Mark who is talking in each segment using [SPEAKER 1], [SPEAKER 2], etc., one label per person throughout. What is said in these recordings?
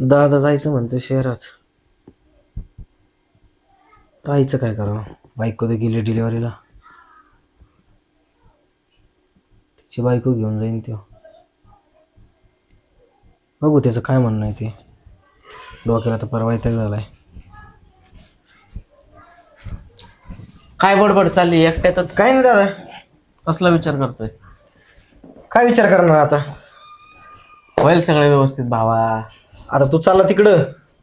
[SPEAKER 1] दादा जायचं म्हणतो शहरात. आईचं काय करावं? बायको तर गेली डिलिव्हरीला. तिची बायको घेऊन जाईन त्यो. बघू त्याचं काय म्हणणं आहे ते. डोक्याला तर परवा इथं झालाय.
[SPEAKER 2] काय बडबड चालली एकट्यातच?
[SPEAKER 1] काय नाही दादा.
[SPEAKER 2] कसला विचार करतोय?
[SPEAKER 1] काय विचार करणार आता?
[SPEAKER 2] होईल सगळं व्यवस्थित भावा.
[SPEAKER 1] आता तू चालला तिकडं.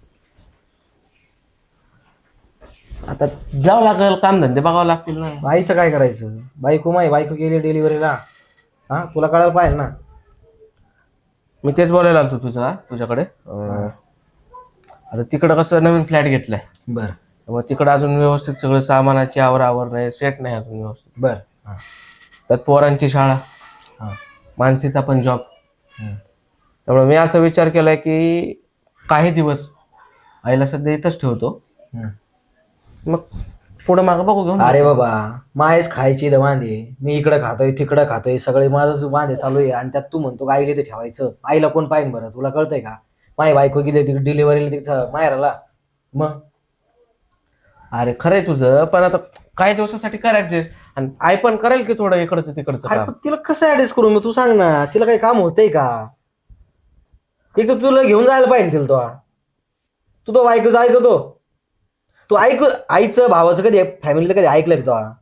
[SPEAKER 2] आता जावं लागेल, काम धंदे बघावं लागतील ना.
[SPEAKER 1] आईचं काय करायचं? बायको गेली डिलिव्हरीला. हा तुला कळायला पाहिजे ना.
[SPEAKER 2] मी तेच बोलायला आलतो तुझ्याकडे. आता तिकडं कसं नवीन फ्लॅट घेतलाय,
[SPEAKER 1] बरं
[SPEAKER 2] मग तिकडं अजून व्यवस्थित सगळं सामानाची आवर नाही, सेट नाही अजून व्यवस्थित.
[SPEAKER 1] बरं. हां
[SPEAKER 2] त्यात पोरांची शाळा,
[SPEAKER 1] हां
[SPEAKER 2] मानसीचा पण जॉब. त्यामुळे मी असा विचार केलाय की काही दिवस आईला सध्या इथंच ठेवतो, मग पुढं मागं बघू घेऊन.
[SPEAKER 1] अरे बाबा, मायच खायची द वांदे. मी इकडं खातोय तिकडं खातोय, सगळे माझंच वांदे चालू आहे. आणि त्यात तू म्हणतो का आईला ते ठेवायचं. आईला कोण पाहिजे बरं? तुला कळतंय का? माय बायको गेली तिकडे डिलिव्हरीला तिकडं माहेराला. मग
[SPEAKER 2] अरे खरंय तुझं, पण आता काही दिवसासाठी कर ऍडजस्ट. आणि आई पण करेल की थोडं इकडचं तिकडचं
[SPEAKER 1] अरे
[SPEAKER 2] काम.
[SPEAKER 1] पण तिला कसं ऍडजस्ट करू? मग तू सांग ना. तिला काही काम होतंय का? एक तर तुला घेऊन जायला पाहिजे तिला. तो बायकोचं ऐकतो. तू आईचं भावाचं कधी फॅमिलीचं कधी ऐकलं का तो?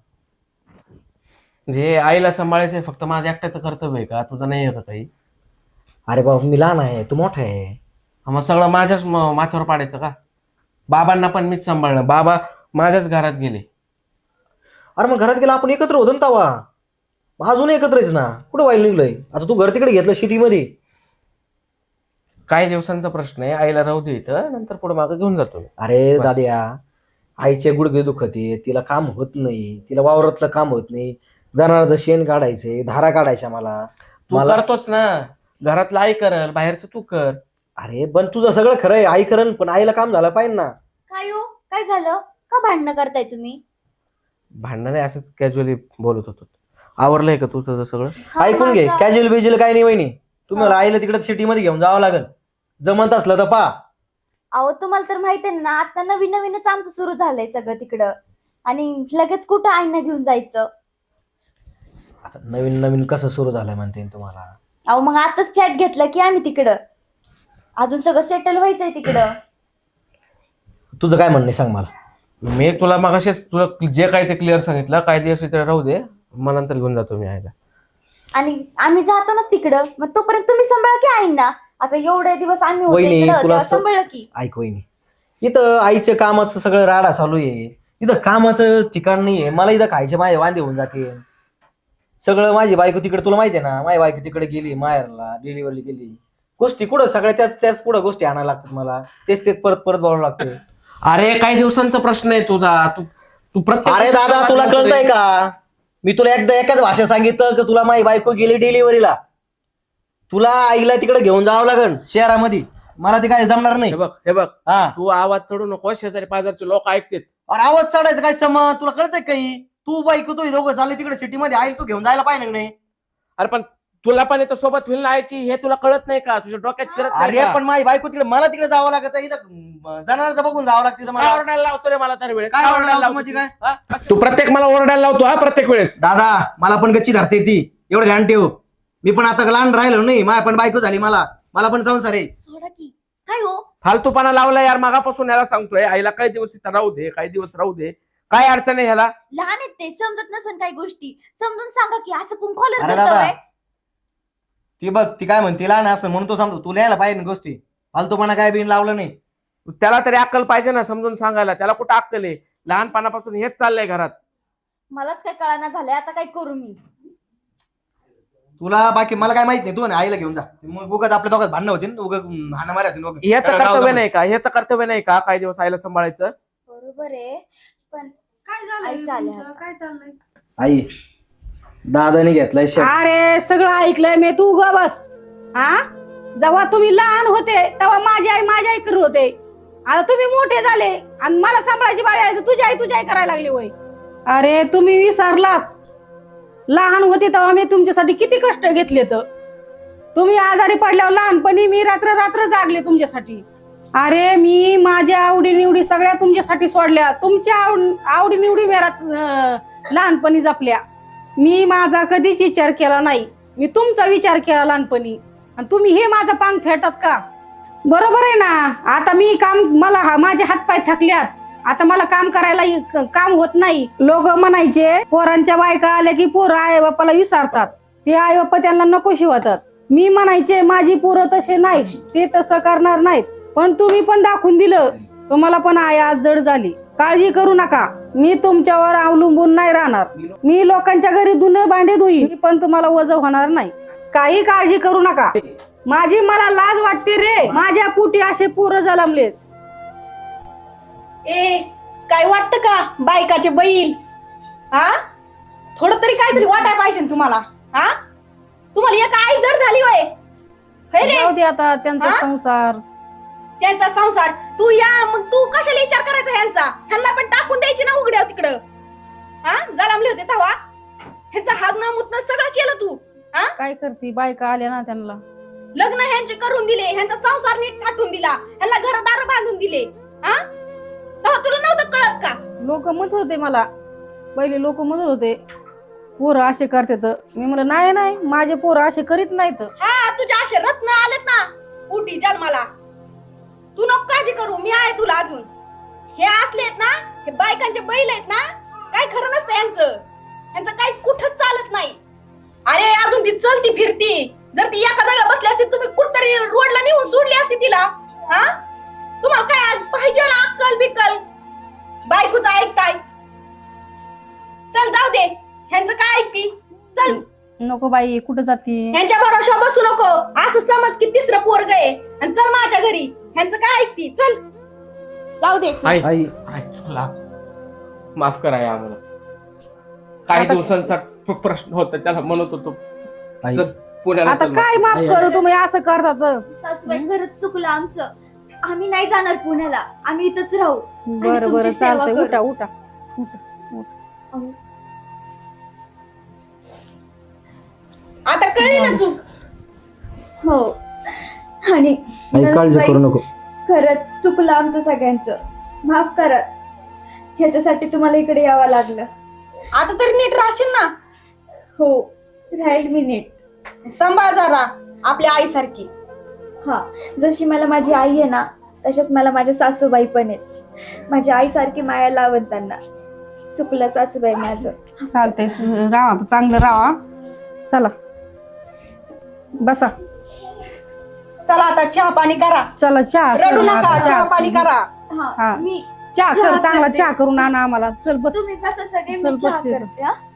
[SPEAKER 2] जे आईला सांभाळायचंय फक्त माझ्या एकट्याचं कर्तव्य आहे का? तुझं नाही आहे का काही?
[SPEAKER 1] अरे बाबा, मी लहान आहे, तू मोठा आहे.
[SPEAKER 2] मग सगळं माझ्याच माथ्यावर पाडायचं का? बाबांना पण मीच सांभाळलं. बाबा माझ्याच घरात गेले.
[SPEAKER 1] अरे मग घरात गेला आपण एकत्र होतो ना तवा. अजून एकत्रच ना. कुठं वाईल निघलंय? आता तू घर तिकडे घेतलं सिटीमध्ये.
[SPEAKER 2] काही दिवसांचा प्रश्न आहे, आईला राहू दे इथं, नंतर पुढे मागं घेऊन जातो मी.
[SPEAKER 1] अरे दाद्या, आईचे गुडघे दुखते, तिला काम होत नाही, तिला वावरातलं काम होत नाही. जनावरांचं शेण काढायचे, धारा काढायच्या मला.
[SPEAKER 2] तू करतोच ना, घरातलं आई करल, बाहेरचं तू कर.
[SPEAKER 1] अरे पण तुझं सगळं खरं आहे, आई करल, पण आईला काम झालं पाहिजे ना.
[SPEAKER 3] काय हो, काय झालं? का भांडणं करताय तुम्ही?
[SPEAKER 2] भांडण नाही, असंच कॅज्युअली बोलत होतो. आवरलंय का तुझं सगळं?
[SPEAKER 1] ऐकून घे, कॅज्युअल बिज्युअल काही नाही वहिनी. तुम्हाला आईला तिकडे सिटीमध्ये घेऊन जावं लागेल. जमत असलं तर पा.
[SPEAKER 3] अहो तुम्हाला तर माहित आहे ना, आता नवीन नवीनच आमचं सुरू झालंय सगळं तिकडं. आणि लगेच कुठं आईना घेऊन जायचं?
[SPEAKER 1] आता नवीन नवीन कसं सुरू झालंय म्हणते तुम्हाला?
[SPEAKER 3] अहो मग आताच फ्लॅट घेतला की आम्ही तिकडं. अजून सगळं सेटल व्हायचंय तिकडं.
[SPEAKER 1] तुझं काय म्हणणं आहे सांग मला.
[SPEAKER 2] मी तुला मगाशीच तुला जे काय ते क्लिअर सांगितलं. काही दिवस इथे राहू दे, मग नंतर घेऊन जातो मी आईला.
[SPEAKER 3] आणि आम्ही जातो ना तिकडं, मग तोपर्यंत तुम्ही सांभाळा की आईंना. आता एवढे दिवस आम्ही होते
[SPEAKER 1] वहिनी,
[SPEAKER 3] इकडं,
[SPEAKER 1] तुला
[SPEAKER 3] तेव्हा सांभाळलं की.
[SPEAKER 1] ऐक वहिनी, इथं आईच्या कामाचं सगळं राडा चालू आहे. इथं कामाचं ठिकाण नाहीये. मला इथं खायचे माझे वांदे होऊन जाते सगळं. माझी बायको तिकडे, तुला माहिती आहे ना, माझी बायको तिकडे गेली माहेरला, डिलिव्हरी गेली. गोष्टी कुठं सगळ्या त्याच पुढे गोष्टी आणायला लागतात मला. तेच परत बोलावं लागतं.
[SPEAKER 2] अरे काही दिवसांचा प्रश्न आहे तुझा. तू प्रत्येक.
[SPEAKER 1] अरे दादा, तुला कळतंय का? मी तुला एकदा एकाच भाषा सांगितलं की तुला माझी बायको गेली डिलिव्हरीला. तुला आईला तिकडे घेऊन जावं लागेल शहरामध्ये. मला ते काय जमणार नाही.
[SPEAKER 2] हे बघ
[SPEAKER 1] हा,
[SPEAKER 2] तू आवाज चढू नको, शेजारी पाजारचे लोक ऐकतात.
[SPEAKER 1] अरे आवाज चढायचं काय समज? तुला कळतंय काही? तू बायको तू दोघं चालले तिकडे सिटीमध्ये, आई तू घेऊन जायला पाहिजे नाही?
[SPEAKER 2] अरे पण तुला पण इथं सोबत होईल ना आईची, हे तुला कळत नाही का? तुझ्या डोक्यात शिरत नाही
[SPEAKER 1] अरे
[SPEAKER 2] का?
[SPEAKER 1] पण माझी बायको तिकडे, मला तिकडे जावं लागत. इथं जनावरचं बघून जावं लागतं
[SPEAKER 2] काय
[SPEAKER 1] मला.
[SPEAKER 2] ओरडायला लावतो रे मला तर वेळेस?
[SPEAKER 1] काय ओरडायला लावतो
[SPEAKER 2] लावतो
[SPEAKER 1] म्हणजे
[SPEAKER 2] तू?
[SPEAKER 1] काय?
[SPEAKER 2] हा? तू प्रत्येक मला ओरडायला लावतो हा प्रत्येक वेळेस.
[SPEAKER 1] दादा, मला पण गच्ची धरते ती, एवढं ध्यान ठेव. मी पण आता लहान राहिलो नाही, माझ्या पण बायको झाली, मला पण संसार आहे.
[SPEAKER 3] सोडा की. काय हो?
[SPEAKER 2] फालतूपणा लावला यार मागापासून. याला सांगतोय आईला काही दिवस इथं राहू दे, काही दिवस राहू दे. काय अडचण आहे ह्याला?
[SPEAKER 3] लहान आहेत ते, समजत नसेल काही गोष्टी. समजून सांगा की असं कोण
[SPEAKER 1] अरे
[SPEAKER 3] कॉलर
[SPEAKER 1] दादा, ती बघ ती काय म्हणते, लहान असं म्हणून तो समजतो. तुला यायला पाहिजे ना गोष्टी. फालतूपणा काय बिन लावलं नाही.
[SPEAKER 2] त्याला तरी अक्कल पाहिजे ना समजून सांगायला. त्याला कुठं अक्कल आहे? लहानपणापासून हेच चाललंय घरात.
[SPEAKER 3] मलाच काय कळना झालंय, आता काय करू मी?
[SPEAKER 1] तुला बाकी मला काय माहित नाही. तू ना आईला घेऊन जा. मग उगाच आपल्या दोघात भांडणं होतील, उगाच हाणं मारा होतील.
[SPEAKER 2] याचं कर्तव्य नाही का? ह्याचं कर्तव्य नाही का काही दिवस आईला सांभाळायचं?
[SPEAKER 3] बरोबर आहे, पण
[SPEAKER 4] काय
[SPEAKER 3] आई
[SPEAKER 4] झालं
[SPEAKER 3] चालल्या
[SPEAKER 4] तुमचं? काय चाललंय?
[SPEAKER 1] आई, दादाने घेतलाय शर्ट.
[SPEAKER 4] अरे सगळं ऐकलंय मी, तू ग बस. हा, जेव्हा तुम्ही लहान होते तेव्हा माझी आई करत होते. आता तुम्ही मोठे झाले आणि मला सांभाळायची बाळी आहे, तुझी आई करायला लागली होय. अरे तुम्ही विसरलात, लहान होते तेव्हा मी तुमच्यासाठी किती कष्ट घेतले. तर तुम्ही आजारी पडल्यावर लहानपणी मी रात्र जागले तुमच्यासाठी. अरे मी माझ्या आवडीनिवडी सगळ्या तुमच्यासाठी सोडल्या. तुमच्या आवडीनिवडी घरात लहानपणी जपल्या. मी माझा कधीच विचार केला नाही. मी तुमचा विचार केला लहानपणी आणि तुम्ही हे माझा पांग फेडतात का? बरोबर आहे ना. आता मी मला माझे हातपाय थकल्यात. आता मला काम करायला काम होत नाही. लोक म्हणायचे पोरांच्या बायका आल्या की पोरं आई बापाला विसरतात. ते आई बाप्पा त्यांना नको शिवतात. मी म्हणायचे माझी पोरं तसे नाहीत, ते तसं करणार नाहीत. पण तुम्ही पण दाखवून दिलं. तुम्हाला पण आई आज जड झाली. काळजी करू नका. मी तुमच्यावर अवलंबून नाही राहणार. मी लोकांच्या घरी धुणं भांडे धुईन, पण तुम्हाला वजन होणार नाही. काही काळजी करू नका. मला लाज वाटते रे. माझ्या पोटी असे पोरं जन्मलेत. काय वाटतं का बायकाचे बैल? हा, थोडं तरी काहीतरी वाटाय पाहिजे तुम्हाला. हा, तुम्हाला एक आई जड झाली वय रे. जाऊ दे आता त्यांचा संसार.
[SPEAKER 3] त्यांचा संसार तू या मग तू कशाला विचार करायचा ह्यांचा? ह्यांना पण टाकून द्यायची ना उघड्या तिकडं. हा, जलामले होते तेव्हा ह्यांचा हागणं मुतणं सगळं केलं तू. हा,
[SPEAKER 4] काय करते बायका आल्या ना त्यांना.
[SPEAKER 3] लग्न ह्यांचे करून दिले, ह्यांचा संसार नीट थाटून दिला, ह्यांना घरदार बांधून दिले. हा, तेव्हा तुला नव्हतं कळत का?
[SPEAKER 4] लोक म्हणत होते मला, पहिले लोक म्हणत होते पोरं असे करतात. मी म्हणलं नाही नाही, माझे पोरं असे करीत नाहीत.
[SPEAKER 3] हा, तुझ्या असे रत्न आलेत ना पोटी जन्माला. तू नको काळजी करू, मी आहे तुला अजून. हे असले आहेत ना, हे बायकांचे बैल आहेत ना, काय खरं नसतं यांचं काही कुठंच चालत नाही. अरे अजून ती चलती फिरती. जर ती एका जागा बसली असती तुम्ही कुठतरी रोडला नेऊन सोडली असती तिला. हा, तुम्हाला काय पाहिजे ना अक्कल बिक्कल? बायकोच ऐकताय. चल जाऊ दे, ह्यांचं काय ऐकती? चल.
[SPEAKER 4] नको बाई, कुठं जाती?
[SPEAKER 3] ह्यांच्या भरोशा बसू नको. असं समज की तिसरं पोरग आहे आणि चल माझ्या घरी. ह्यांचं काय ऐकती? चल जाऊ दे.
[SPEAKER 2] आई
[SPEAKER 1] आई
[SPEAKER 2] माफ करा आम्हाला. काही दिवसांचा प्रश्न होता, त्याला म्हणत होतो
[SPEAKER 1] आई
[SPEAKER 2] चल पुण्याला
[SPEAKER 4] आता
[SPEAKER 2] चल.
[SPEAKER 4] काय माफ करू, तुम्ही असं करतात.
[SPEAKER 3] सासूबाई खरंच चुकलं आमचं. आम्ही नाही जाणार पुण्याला, आम्ही इथंच राहू. आणि
[SPEAKER 4] बरं
[SPEAKER 3] तुमची
[SPEAKER 4] बरं
[SPEAKER 3] सेवा
[SPEAKER 4] चालतंय.
[SPEAKER 3] करू.
[SPEAKER 4] उठा उठा.
[SPEAKER 3] आता कळली ना चूक. हो, आणि
[SPEAKER 1] आई काळजी करू नको.
[SPEAKER 3] खरंच चुकलं आमचं सगळ्यांचं. माफ करा. ह्याच्यासाठी तुम्हाला इकडे यावं लागलं.
[SPEAKER 4] आता तरी नीट राहशील ना.
[SPEAKER 3] हो, राहील मी नीट.
[SPEAKER 4] सांभाळ जरा आपल्या आईसारखी.
[SPEAKER 3] हा, जशी मला माझी आई आहे ना, तशाच मला माझ्या सासूबाई पण आहेत. माझ्या आईसारखी माया लावत त्यांना. चुकलं सासूबाई माझं.
[SPEAKER 4] चालतंय, राहा चांगलं राहा. चला बसा.
[SPEAKER 5] चला आता चहा पाणी करा.
[SPEAKER 4] चला चहा
[SPEAKER 5] रडू
[SPEAKER 4] करू
[SPEAKER 5] नका,
[SPEAKER 4] आता.
[SPEAKER 5] चहा पाणी करा.
[SPEAKER 4] हा.
[SPEAKER 3] हा, मी
[SPEAKER 4] चहा कर,
[SPEAKER 3] चहा
[SPEAKER 4] चांगला
[SPEAKER 3] करते.
[SPEAKER 4] चहा करून आणा आम्हाला. चल बस.
[SPEAKER 3] तुम्ही कसं सगळे
[SPEAKER 4] चल
[SPEAKER 3] मी चहा
[SPEAKER 4] बस येतो.
[SPEAKER 3] करते. हा?